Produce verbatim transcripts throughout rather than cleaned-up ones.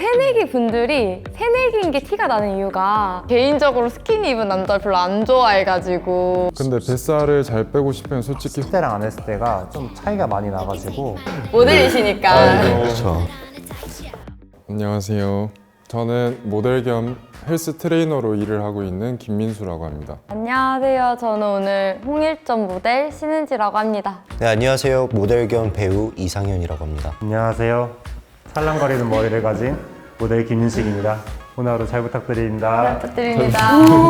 새내기 분들이 새내기인 게 티가 나는 이유가 개인적으로 스키니 입은 남자를 별로 안 좋아해가지고. 근데 뱃살을 잘 빼고 싶으면 솔직히 십 대랑 안 했을 때가 좀 차이가 많이 나가지고 모델이시니까. 그렇죠. 안녕하세요. 저는 모델 겸 헬스 트레이너로 일을 하고 있는 김민수라고 합니다. 안녕하세요. 저는 오늘 홍일점 모델 신은지라고 합니다. 네, 안녕하세요. 모델 겸 배우 이상현이라고 합니다. 안녕하세요. 찰랑거리는 머리를 가진 모델 김윤식입니다. 오늘 하루 잘 부탁드립니다. 부탁드립니다.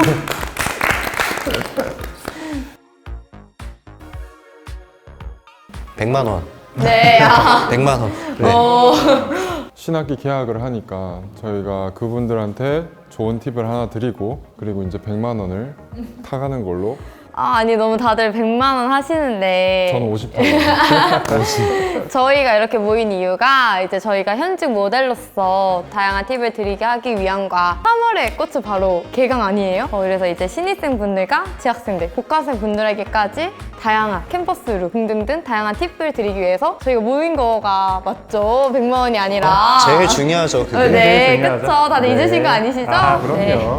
백만 원. 네. 아. 백만 원. 네. 어. 신학기 계약을 하니까 저희가 그분들한테 좋은 팁을 하나 드리고 그리고 이제 백만 원을 타가는 걸로. 아, 아니 너무 다들 백만 원 하시는데 저는 오십 원. 저희가 이렇게 모인 이유가 이제 저희가 현직 모델로서 다양한 팁을 드리게 하기 위함과 삼월에 꽃은 바로 개강 아니에요? 어, 그래서 이제 신입생 분들과 재학생들, 복학생 분들에게까지 다양한 캠퍼스 룩 등등등 다양한 팁을 드리기 위해서 저희가 모인 거가 맞죠? 백만 원이 아니라 제일 중요하죠, 그게. 어, 네, 제일 중요하죠. 그쵸. 다들 네. 잊으신 거 아니시죠? 아, 그럼요. 네.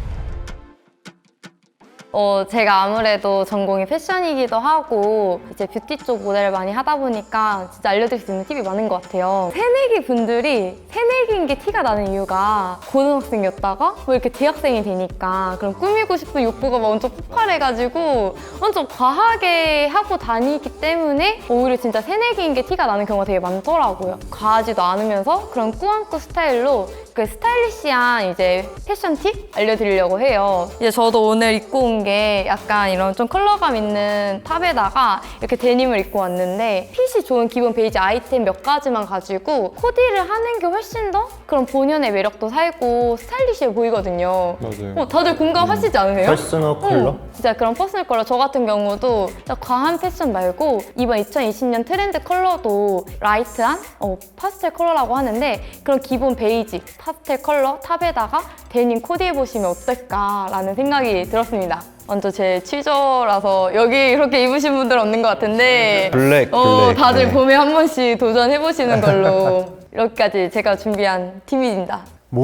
어, 제가 아무래도 전공이 패션이기도 하고 이제 뷰티 쪽 모델을 많이 하다 보니까 진짜 알려드릴 수 있는 팁이 많은 것 같아요. 새내기 분들이 새내기인 게 티가 나는 이유가 고등학생이었다가 뭐 이렇게 대학생이 되니까 그럼 꾸미고 싶은 욕구가 막 엄청 폭발해가지고 엄청 과하게 하고 다니기 때문에 오히려 진짜 새내기인 게 티가 나는 경우가 되게 많더라고요. 과하지도 않으면서 그런 꾸안꾸 스타일로 그 스타일리시한 이제 패션 팁 알려드리려고 해요. 이제 저도 오늘 입고 온 게 약간 이런 좀 컬러감 있는 탑에다가 이렇게 데님을 입고 왔는데 핏이 좋은 기본 베이지 아이템 몇 가지만 가지고 코디를 하는 게 훨씬 더 그런 본연의 매력도 살고 스타일리시해 보이거든요. 맞아요. 어, 다들 공감하시지 않으세요? 퍼스널 컬러? 어, 진짜 그런 퍼스널 컬러. 저 같은 경우도 진짜 과한 패션 말고 이번 이천이십 년 트렌드 컬러도 라이트한 어, 파스텔 컬러라고 하는데 그런 기본 베이지 파스텔 컬러 탑에다가 데님 코디해보시면 어떨까라는 생각이 들었습니다. 먼저 제 취저라서 여기 이렇게 입으신 분들 없는 것 같은데 블랙, 어, 블랙. 다들 네. 봄에 한 번씩 도전해보시는 걸로 여기까지 제가 준비한 팁입니다.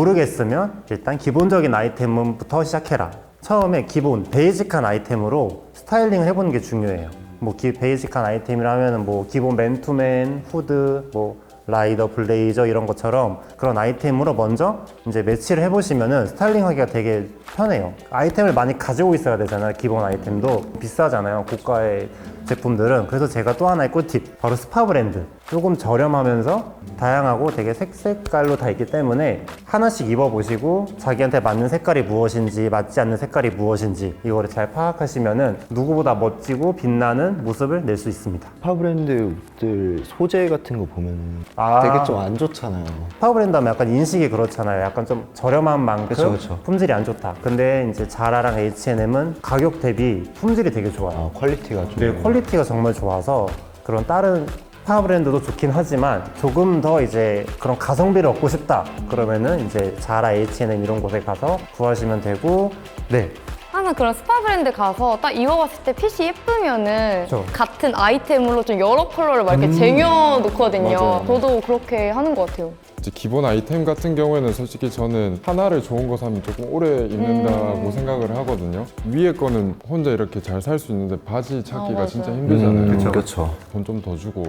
모르겠으면 일단 기본적인 아이템부터 시작해라. 처음에 기본 베이직한 아이템으로 스타일링을 해보는 게 중요해요. 뭐 기, 베이직한 아이템이라면 뭐 기본 맨투맨, 후드, 뭐 라이더, 블레이저 이런 것처럼 그런 아이템으로 먼저 이제 매치를 해보시면은 스타일링하기가 되게 편해요. 아이템을 많이 가지고 있어야 되잖아요. 기본 아이템도 비싸잖아요. 고가의 제품들은. 그래서 제가 또 하나의 꿀팁, 바로 스파 브랜드. 조금 저렴하면서 다양하고 되게 색색깔로 다 있기 때문에 하나씩 입어보시고 자기한테 맞는 색깔이 무엇인지 맞지 않는 색깔이 무엇인지 이거를 잘 파악하시면은 누구보다 멋지고 빛나는 모습을 낼 수 있습니다. 스파 브랜드 옷들 소재 같은 거 보면 아. 되게 좀 안 좋잖아요. 스파 브랜드 하면 약간 인식이 그렇잖아요. 약간 좀 저렴한 만큼 그쵸, 그쵸. 품질이 안 좋다. 근데 이제 자라랑 에이치앤엠은 가격 대비 품질이 되게 좋아요. 아, 퀄리티가 좀. 네, 퀄리티가 정말 좋아서 그런 다른 스파 브랜드도 좋긴 하지만 조금 더 이제 그런 가성비를 얻고 싶다 그러면은 이제 자라, 에이치앤엠 이런 곳에 가서 구하시면 되고. 네, 항상 그런 스파 브랜드 가서 딱 입어봤을 때 핏이 예쁘면은 그쵸. 같은 아이템으로 좀 여러 컬러를 막 이렇게 쟁여놓거든요. 맞아요. 저도 그렇게 하는 것 같아요. 이제 기본 아이템 같은 경우에는 솔직히 저는 하나를 좋은 거 사면 조금 오래 입는다고 생각을 하거든요. 위에 거는 혼자 이렇게 잘 살 수 있는데 바지 찾기가 맞아요. 진짜 힘들잖아요. 그쵸. 그렇죠. 돈 좀 더 주고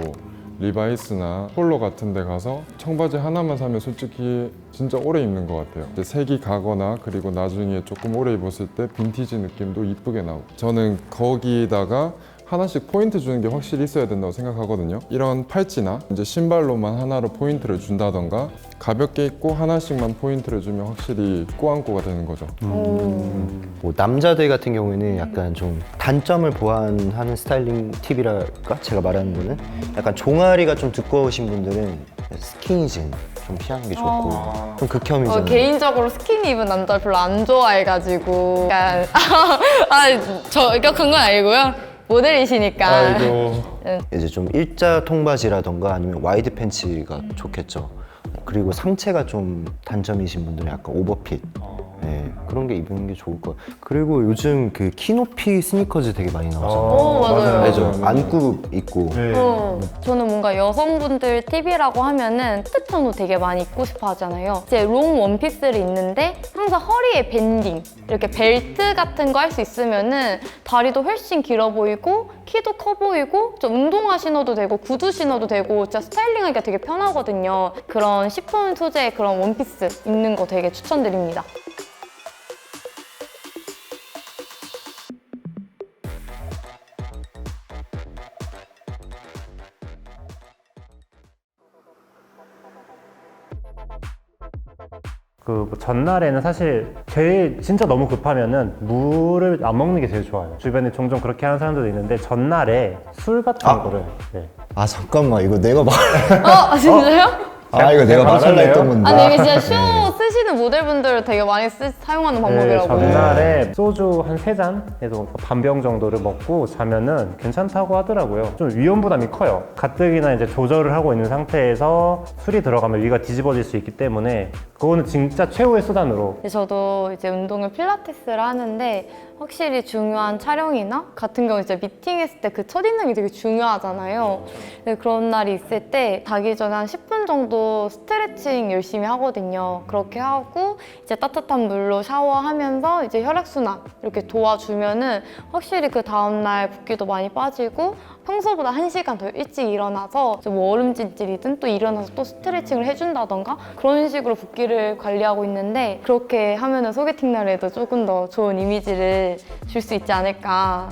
리바이스나 폴로 같은 데 가서 청바지 하나만 사면 솔직히 진짜 오래 입는 것 같아요. 이제 색이 가거나 그리고 나중에 조금 오래 입었을 때 빈티지 느낌도 이쁘게 나오고 저는 거기다가 하나씩 포인트 주는 게 확실히 있어야 된다고 생각하거든요. 이런 팔찌나 이제 신발로만 하나로 포인트를 준다던가 가볍게 입고 하나씩만 포인트를 주면 확실히 꾸안꾸가 되는 거죠. 뭐 남자들 같은 경우에는 약간 좀 단점을 보완하는 스타일링 팁이랄까? 제가 말하는 거는 약간 종아리가 좀 두꺼우신 분들은 스키니진 좀 피하는 게 좋고 좀 극혐이잖아요. 어, 개인적으로 스키니 입은 남자를 별로 안 좋아해가지고 약간 아, 저 격한 건 아니고요. 모델이시니까. 아이고. 이제 좀 일자 통바지라던가 아니면 와이드 팬츠가 좋겠죠. 그리고 상체가 좀 단점이신 분들은 약간 오버핏 네, 그런 게 입는 게 좋을 것 같아요. 그리고 요즘 그 키높이 스니커즈 되게 많이 나오잖아요. 오, 맞아요. 알죠? 안구 있고. 네. 어, 저는 뭔가 여성분들 팁이라고 하면은 스트톤도 되게 많이 입고 싶어 하잖아요. 이제 롱 원피스를 입는데 항상 허리에 밴딩, 이렇게 벨트 같은 거 할 수 있으면은 다리도 훨씬 길어 보이고 키도 커 보이고 좀 운동화 신어도 되고 구두 신어도 되고 진짜 스타일링하기가 되게 편하거든요. 그런 시폰 소재의 그런 원피스 입는 거 되게 추천드립니다. 그뭐 전날에는 사실 제일 진짜 너무 급하면은 물을 안 먹는 게 제일 좋아요. 주변에 종종 그렇게 하는 사람들도 있는데 전날에 술 같은 아. 거를 네. 아 잠깐만 이거 내가 말. 어, 진짜요? 아 이거 내가 말할라 말할래요? 했던 건데. 아, 근데 이게 진짜 쇼 쓰시는 모델분들 되게 많이 쓰, 사용하는 네, 방법이라고. 전날에 소주 한 세 잔에서 반병 정도를 먹고 자면은 괜찮다고 하더라고요. 좀 위험 부담이 커요. 가뜩이나 이제 조절을 하고 있는 상태에서 술이 들어가면 위가 뒤집어질 수 있기 때문에 그거는 진짜 최후의 수단으로. 근데 저도 이제 운동을 필라테스를 하는데 확실히 중요한 촬영이나 같은 경우 이제 미팅했을 때 그 첫인상이 되게 중요하잖아요. 근데 그런 날이 있을 때 자기 전에 한 십 분 정도 스트레칭 열심히 하거든요. 그렇게 하고 이제 따뜻한 물로 샤워하면서 이제 혈액순환 이렇게 도와주면은 확실히 그 다음날 붓기도 많이 빠지고 평소보다 한 시간 더 일찍 일어나서 뭐 얼음찜질이든 또 일어나서 또 스트레칭을 해준다던가 그런 식으로 붓기를 관리하고 있는데 그렇게 하면은 소개팅 날에도 조금 더 좋은 이미지를 줄 수 있지 않을까.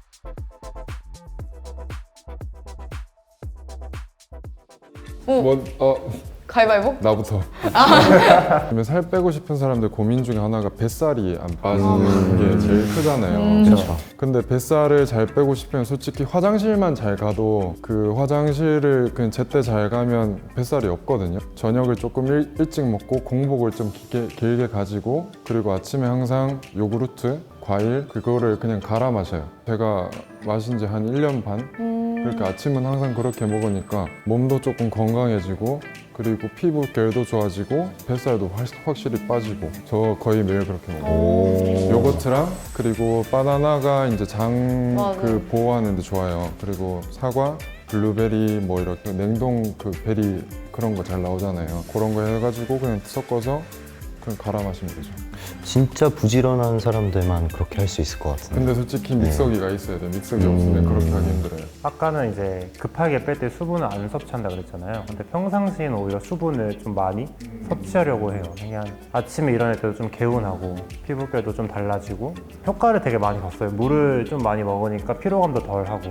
오, 뭐, 어, 가위바위보? 나부터. 그러면 살 빼고 싶은 사람들 고민 중에 하나가 뱃살이 안 빠지는 게 제일 크잖아요. 그렇죠. 근데 뱃살을 잘 빼고 싶으면 솔직히 화장실만 잘 가도 그 화장실을 그냥 제때 잘 가면 뱃살이 없거든요. 저녁을 조금 일, 일찍 먹고 공복을 좀 길게, 길게 가지고 그리고 아침에 항상 요구르트, 과일 그거를 그냥 갈아 마셔요. 제가 마신 지 한 일 년 반? 음, 그렇게 아침은 항상 그렇게 먹으니까 몸도 조금 건강해지고 그리고 피부 결도 좋아지고 뱃살도 확- 확실히 빠지고 저 거의 매일 그렇게 먹어요. 오. 요거트랑 그리고 바나나가 이제 장 맞아요. 그 보호하는 데 좋아요. 그리고 사과, 블루베리 뭐 이렇게 냉동 그 베리 그런 거 잘 나오잖아요. 그런 거 해가지고 그냥 섞어서 그냥 갈아 마시면 되죠. 진짜 부지런한 사람들만 그렇게 할 수 있을 것 같은데. 근데 솔직히 믹서기가 있어야 돼요. 믹서기 없으면 음. 그렇게 하기 힘들어요. 아까는 이제 급하게 뺄 때 수분을 안 섭취한다 그랬잖아요. 근데 평상시에는 오히려 수분을 좀 많이 섭취하려고 해요. 그냥 아침에 일어날 때도 좀 개운하고 피부결도 좀 달라지고 효과를 되게 많이 봤어요. 물을 좀 많이 먹으니까 피로감도 덜하고.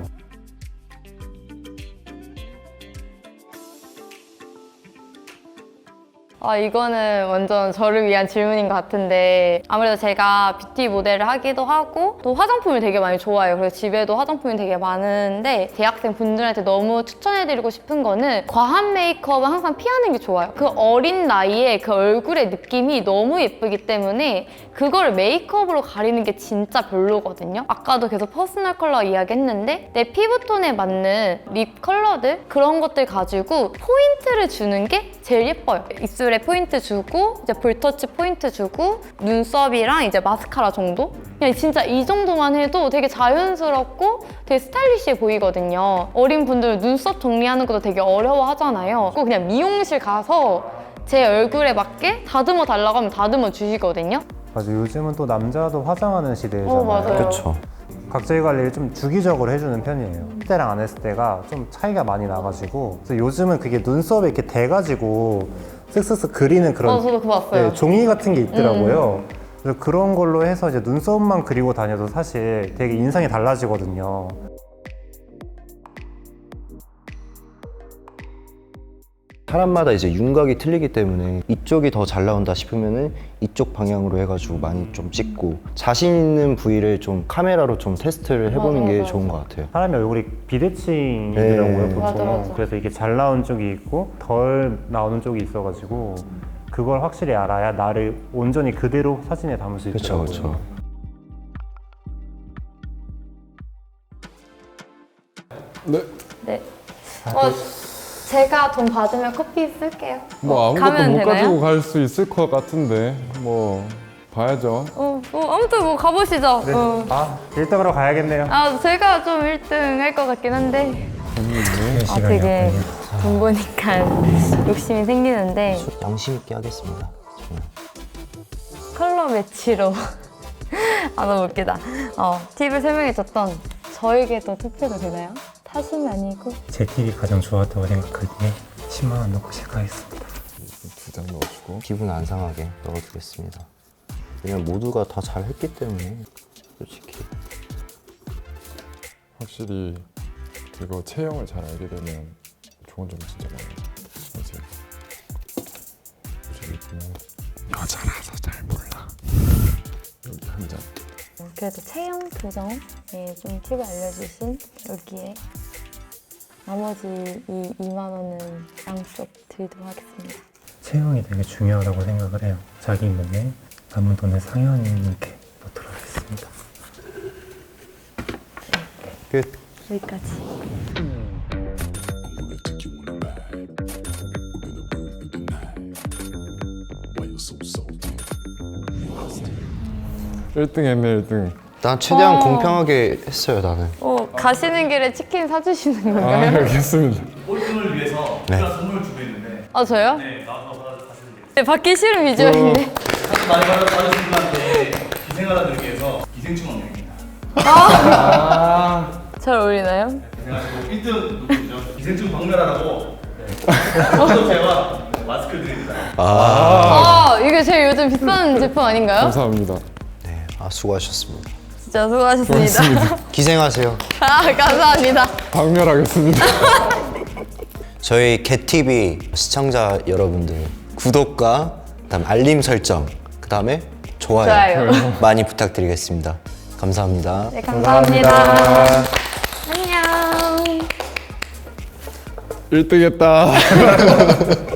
아, 이거는 완전 저를 위한 질문인 것 같은데 아무래도 제가 뷰티 모델을 하기도 하고 또 화장품을 되게 많이 좋아해요. 그래서 집에도 화장품이 되게 많은데 대학생 분들한테 너무 추천해드리고 싶은 거는 과한 메이크업은 항상 피하는 게 좋아요. 그 어린 나이에 그 얼굴의 느낌이 너무 예쁘기 때문에 그걸 메이크업으로 가리는 게 진짜 별로거든요. 아까도 계속 퍼스널 컬러 이야기했는데 내 피부톤에 맞는 립 컬러들 그런 것들 가지고 포인트를 주는 게 제일 예뻐요. 입술에 포인트 주고 이제 볼터치 포인트 주고 눈썹이랑 이제 마스카라 정도? 그냥 진짜 이 정도만 해도 되게 자연스럽고 되게 스타일리시해 보이거든요. 어린 분들 눈썹 정리하는 것도 되게 어려워 하잖아요. 꼭 그냥 미용실 가서 제 얼굴에 맞게 다듬어 달라고 하면 다듬어 주시거든요. 맞아, 요즘은 또 남자도 화장하는 시대잖아요. 어, 맞아요. 그렇죠. 각질 관리를 좀 주기적으로 해주는 편이에요. 그때랑 안 했을 때가 좀 차이가 많이 나가지고 그래서 요즘은 그게 눈썹에 이렇게 대가지고 쓱쓱쓱 그리는 그런 어, 저도 그거 봤어요. 네, 종이 같은 게 있더라고요. 그래서 그런 걸로 해서 이제 눈썹만 그리고 다녀도 사실 되게 인상이 달라지거든요. 사람마다 이제 윤곽이 틀리기 때문에 이쪽이 더 잘 나온다 싶으면은 이쪽 방향으로 해가지고 많이 좀 찍고 자신 있는 부위를 좀 카메라로 좀 테스트를 해보는 맞아, 게 맞아. 좋은 것 같아요. 사람이 얼굴이 비대칭이더라고요, 네. 보통. 맞아, 맞아. 그래서 이게 잘 나온 쪽이 있고 덜 나오는 쪽이 있어가지고 그걸 확실히 알아야 나를 온전히 그대로 사진에 담을 수 그렇죠, 있더라고요. 그렇죠. 네. 네. 어, 제가 돈 받으면 커피 쓸게요. 뭐 어, 아무것도 가면 못 되나요? 가지고 갈 수 있을 것 같은데 뭐 봐야죠. 어, 어, 아무튼 뭐 가보시죠. 어. 아, 일 등으로 가야겠네요. 아, 제가 좀 일 등 할 것 같긴 한데. 아, 되게 돈 보니까 욕심이 생기는데 양심 있게 하겠습니다. 정말. 컬러 매치로 아 너무 웃기다. 어, 팁을 설명해줬던 저에게도 투표가 되나요? 탓은 아니고. 제 팁이 가장 좋았다고 생각하기에 십만 원 넣고 시작하겠습니다. 두 장 넣어주고. 기분 안 상하게 넣어두겠습니다. 왜냐면 모두가 다 잘했기 때문에 솔직히. 확실히 그거 체형을 잘 알게 되면 좋은 점이 진짜 많아요. 맞아요. 그리고 여자라서 잘 몰라. 여기 한 장. 그래도 체형 교정에 좀 팁을 알려주신 여기에 나머지 이 이만 원은 양쪽 드리도록 하겠습니다. 체형이 되게 중요하다고 생각을 해요. 자기 몸에 남은 돈을 상연히 이렇게 넣도록 하겠습니다. 끝. 여기까지. 일 등 했네 일 등. 난 최대한 어. 공평하게 했어요 나는. 어, 가시는 길에 치킨 사주시는 아 건가요? 알겠습니다. 꼴등을 위해서 네. 제가 선물을 주고 있는데 아, 저요? 네, 나와서 받아가시면 돼요. 네, 받기 싫은 비주얼인데. 사실 많이 받아- 받으신 분한테 기생하라들기 위해서 기생충 왕명입니다. 잘 어울리나요? 그래가지고 일 등 누구죠? 기생충 박멸하라고 네. 제가 마스크를 드립니다. 아, 이게 제일 요즘 비싼 제품 아닌가요? 감사합니다. 네, 아 수고하셨습니다. 진짜 수고하셨습니다. 기생하세요. 아, 감사합니다. 박멸하겠습니다. 저희 개티비 시청자 여러분들 구독과 그다음 알림 설정 그다음에 좋아요, 좋아요. 많이 부탁드리겠습니다. 감사합니다. 네, 감사합니다. 안녕. 일 등 했다.